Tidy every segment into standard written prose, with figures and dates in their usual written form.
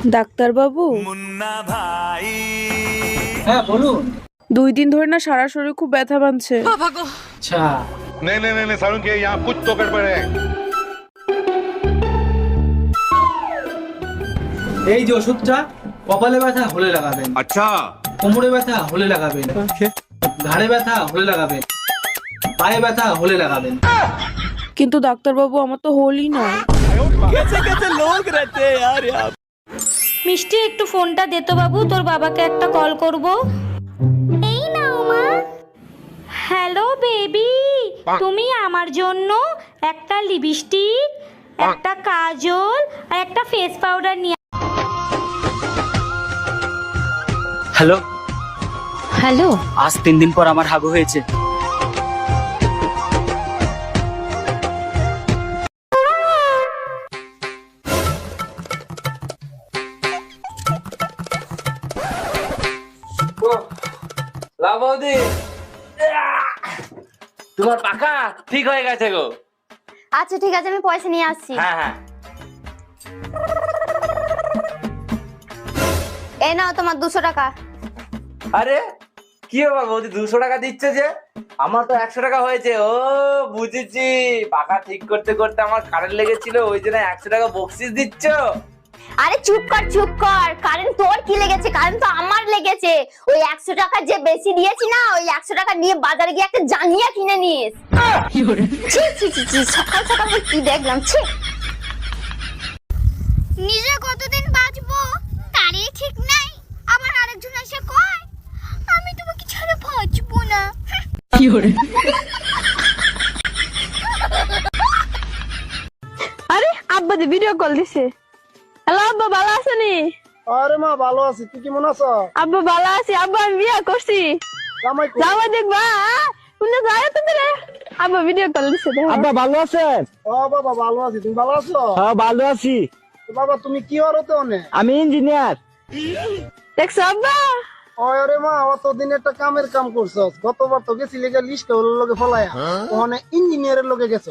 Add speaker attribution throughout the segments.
Speaker 1: Doctor বাবু,
Speaker 2: মুন্না ভাই।
Speaker 3: হ্যাঁ বলুন।
Speaker 1: 2 দিন ধরে না সারা শরীর খুব ব্যথা বানছে।
Speaker 3: আচ্ছা
Speaker 4: नहीं नहीं नहीं नहीं सारुण के यहाँ कुछ तो गड़बड़ है।
Speaker 3: এই যে ওষুধটা কপালে ব্যথা হলে লাগাবেন,
Speaker 4: अच्छा
Speaker 3: কোমরে ব্যথা হলে লাগাবেন, ঘাড়ে ব্যথা হলে লাগাবেন, পায়ে ব্যথা হলে লাগাবেন।
Speaker 1: কিন্তু ডাক্তার বাবু, আমার তো হলই না।
Speaker 5: মিষ্টি, একটু ফোনটা দে তো বাবু, তোর বাবাকে একটা কল করব। এই নাও মা। হ্যালো বেবি, তুমি আমার জন্য একটা লিপস্টিক, একটা কাজল আর একটা ফেস পাউডার নিয়ে।
Speaker 6: হ্যালো,
Speaker 5: হ্যালো,
Speaker 6: আজ 3 দিন পর আমার হাগু হয়েছে।
Speaker 7: লাভদি, তোমার পাকা ঠিক হয়ে গেছে গো।
Speaker 8: আচ্ছা ঠিক আছে, আমি পয়সা নিয়ে আসছি।
Speaker 7: হ্যাঁ হ্যাঁ,
Speaker 8: এই নাও তোমার 200 টাকা।
Speaker 7: আরে কি হবে বৌদি, 200 টাকা দিচ্ছে যে? আমার তো 100 টাকা হয়েছে। ও বুঝেছি, পাকা ঠিক করতে করতে আমার কারেন্ট লেগেছিল, ওই জন্য 100 টাকা বকশিস দিচ্ছ।
Speaker 8: আরে চুপ কর চুপ কর, কারেন্ট তোর কি লেগেছে? কারেন্ট তো আমার লেগেছে। ওই 100 টাকা যে বেশি দিয়েছি না, ওই 100 টাকা নিয়ে বাজারে গিয়ে একটা জাঙ্গিয়া কিনে নিস। ছি ছি ছি ছি, সকাল সকাল কি দেখলাম, ছি। নিজে কতদিন বাঁচবো তারই ঠিক নাই, আবার আরেকজন এসে কয় আমি তোমাকে ছাড়া বাঁচবো না।
Speaker 1: আরে আব্বা দি ভিডিও কল দিছে। হ্যালো আব্বা, ভালো আছেনি?
Speaker 9: আরে মা ভালো আছি, তুই কেমন আছো?
Speaker 1: আব্বা ভালো আছি। আব্বা আমি বিয়ে করছি।
Speaker 9: জামাই কই?
Speaker 1: যাওয়া দেখবা শুনে যায় তো দিলে। আব্বা ভিডিও কল দিছে।
Speaker 9: আব্বা ভালো আছেন? ও বাবা ভালো আছি, তুমি ভালো আছো? হ্যাঁ ভালো আছি। বাবা তুমি কি হরতে অনে? আমি ইঞ্জিনিয়ার।
Speaker 1: দেখছো আব্বা?
Speaker 9: আরে মা অতদিন একটা কামের কাম করছস, গতবার তো গেছি লেগে লিস্ট হলো লগে ফলায়া, ওখানে ইঞ্জিনিয়ারের লগে গেছো।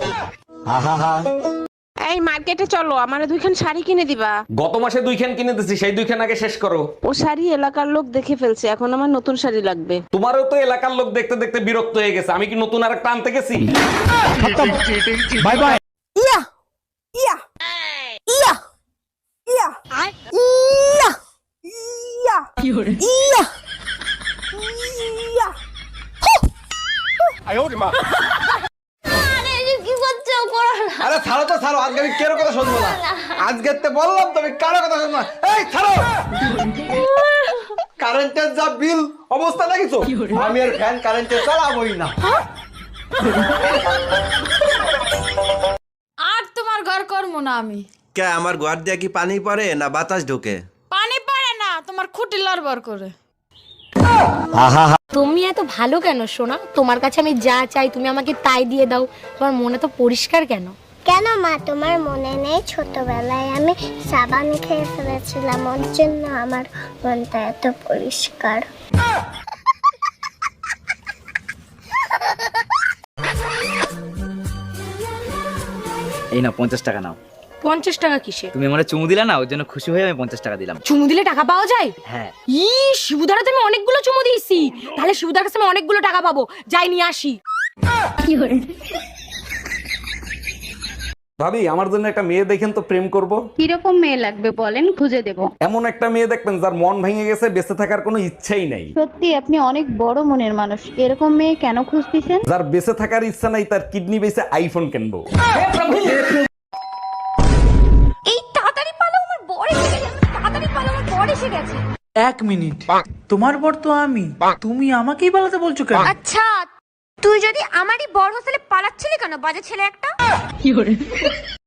Speaker 10: এই মার্কেটে চলো, আমারে 2খান শাড়ি কিনে দিবা।
Speaker 7: গত মাসে 2খান কিনে দিছি, সেই 2খান আগে শেষ করো।
Speaker 10: ও শাড়ি এলাকার লোক দেখে ফেলছে, এখন আমার নতুন শাড়ি লাগবে।
Speaker 7: তোমারও তো এলাকার লোক দেখতে দেখতে বিরক্ত হয়ে গেছে, আমি কি নতুন আরেকটা আনতে গেছি?
Speaker 9: Bye bye.
Speaker 1: Yeah yeah yeah yeah yeah yeah yeah yeah.
Speaker 8: কি করছো? করো না।
Speaker 7: আরে ছাড়ো তো ছাড়ো, আজকে আমি কেন কথা শুনবো না। আজকে তো বললাম তুমি কারো কথা শুনবো না। এই ছাড়ো, কারেন্টের যা বিল অবস্থা দেখিছো, আমি আর ফ্যান কারেন্টে চালাবোই না।
Speaker 5: আর তোমার ঘর করবো না আমি।
Speaker 11: কে আমার ঘর দিয়ে কি পানি পড়ে না বাতাস ঢোকে?
Speaker 5: পানি পড়ে না, তোমার খুঁটি লড়বড় করে।
Speaker 8: তুমি এত ভালো কেন সোনা? তোমার কাছে আমি যা চাই তুমি আমাকে তাই দিয়ে দাও। তোমার মনে তো পরিষ্কার কেন?
Speaker 12: কেন মা, তোমার মনে নেই ছোটবেলায় আমি সাবান খেয়ে ফেলেছিলাম, ওর জন্য আমার মনটা এত পরিষ্কার।
Speaker 6: এই না 50 টাকা নাও।
Speaker 5: 50 টাকা কিসে?
Speaker 6: তুমি আমারে চুমু দিলা না, ওর জন্য খুশি হয়ে আমি 50 টাকা দিলাম।
Speaker 5: চুমু দিলে টাকা পাওয়া যায়?
Speaker 6: হ্যাঁ।
Speaker 5: শিবুদারা তুমি অনেকগুলো চুমু দিয়েছি, তাহলে শিবুদার কাছে আমি অনেকগুলো টাকা পাবো। যাই নিয়ে আসি।
Speaker 7: ভাবি, আমার জন্য একটা মেয়ে দেখেন তো, প্রেম করব।
Speaker 10: কিরকম মেয়ে লাগবে বলেন, খুঁজে দেব।
Speaker 7: এমন একটা মেয়ে দেখবেন যার মন ভেঙে গেছে, বেঁচে থাকার কোনো ইচ্ছাই নাই।
Speaker 10: সত্যি আপনি অনেক বড় মনের মানুষ, এরকম মেয়ে কেন খুঁজতেছেন?
Speaker 7: যার বেঁচে থাকার ইচ্ছা নাই, তার কিডনি বেঁচে আইফোন কিনবো।
Speaker 8: এই তাড়াতাড়ি পালো, আমার বর এসে গেছে। তাড়াতাড়ি পালো, আমার বর এসে গেছে।
Speaker 3: 1 মিনিট, তোমার বর তো আমি, তুমি আমাকেই পালাতে বলছো কেন?
Speaker 8: আচ্ছা তুই যদি আমারই বর হোস্টেলে পালাচ্ছিলি কেন, বাজে ছেলে একটা?